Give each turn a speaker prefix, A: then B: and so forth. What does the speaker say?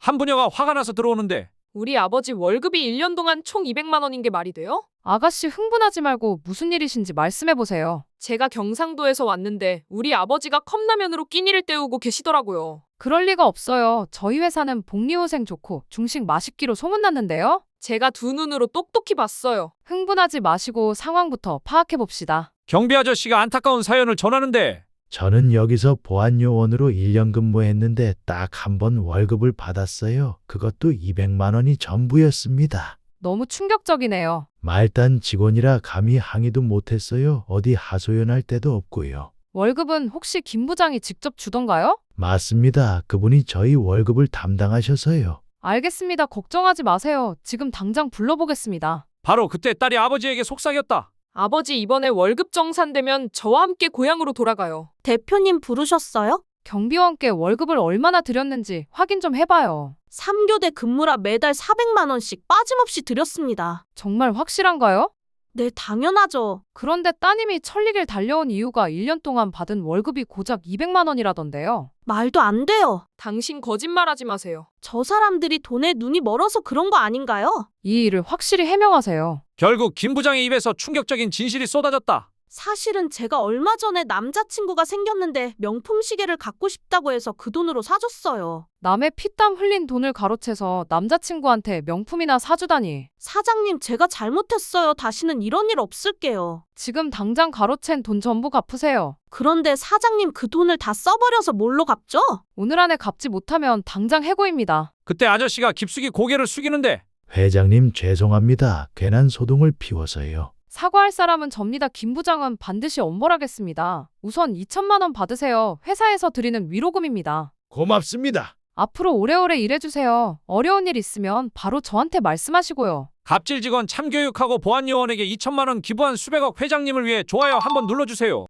A: 한 부녀가 화가 나서 들어오는데
B: 우리 아버지 월급이 1년 동안 총 200만 원인 게 말이 돼요?
C: 아가씨 흥분하지 말고 무슨 일이신지 말씀해보세요.
B: 제가 경상도에서 왔는데 우리 아버지가 컵라면으로 끼니를 때우고 계시더라고요.
C: 그럴 리가 없어요. 저희 회사는 복리후생 좋고 중식 맛있기로 소문났는데요.
B: 제가 두 눈으로 똑똑히 봤어요.
C: 흥분하지 마시고 상황부터 파악해봅시다.
A: 경비 아저씨가 안타까운 사연을 전하는데
D: 저는 여기서 보안요원으로 1년 근무했는데 딱 한 번 월급을 받았어요. 그것도 200만 원이 전부였습니다.
C: 너무 충격적이네요.
D: 말단 직원이라 감히 항의도 못했어요. 어디 하소연할 데도 없고요.
C: 월급은 혹시 김 부장이 직접 주던가요?
D: 맞습니다. 그분이 저희 월급을 담당하셔서요.
C: 알겠습니다. 걱정하지 마세요. 지금 당장 불러보겠습니다.
A: 바로 그때 딸이 아버지에게 속삭였다.
B: 아버지 이번에 월급 정산되면 저와 함께 고향으로 돌아가요.
E: 대표님 부르셨어요?
C: 경비원께 월급을 얼마나 드렸는지 확인 좀 해봐요.
E: 3교대 근무라 매달 400만 원씩 빠짐없이 드렸습니다.
C: 정말 확실한가요?
E: 네, 당연하죠.
C: 그런데 따님이 천리길 달려온 이유가 1년 동안 받은 월급이 고작 200만 원이라던데요.
E: 말도 안 돼요.
B: 당신 거짓말하지 마세요.
E: 저 사람들이 돈에 눈이 멀어서 그런 거 아닌가요?
C: 이 일을 확실히 해명하세요.
A: 결국 김 부장의 입에서 충격적인 진실이 쏟아졌다.
E: 사실은 제가 얼마 전에 남자친구가 생겼는데 명품 시계를 갖고 싶다고 해서 그 돈으로 사줬어요.
C: 남의 피땀 흘린 돈을 가로채서 남자친구한테 명품이나 사주다니.
E: 사장님, 제가 잘못했어요. 다시는 이런 일 없을게요.
C: 지금 당장 가로챈 돈 전부 갚으세요.
E: 그런데 사장님, 그 돈을 다 써버려서 뭘로 갚죠?
C: 오늘 안에 갚지 못하면 당장 해고입니다.
A: 그때 아저씨가 깊숙이 고개를 숙이는데
D: 회장님 죄송합니다. 괜한 소동을 피워서요.
C: 사과할 사람은 접니다. 김 부장은 반드시 엄벌하겠습니다. 우선 2천만 원 받으세요. 회사에서 드리는 위로금입니다.
D: 고맙습니다.
C: 앞으로 오래오래 일해주세요. 어려운 일 있으면 바로 저한테 말씀하시고요.
A: 갑질 직원 참교육하고 보안요원에게 2천만 원 기부한 수백억 회장님을 위해 좋아요 한번 눌러주세요.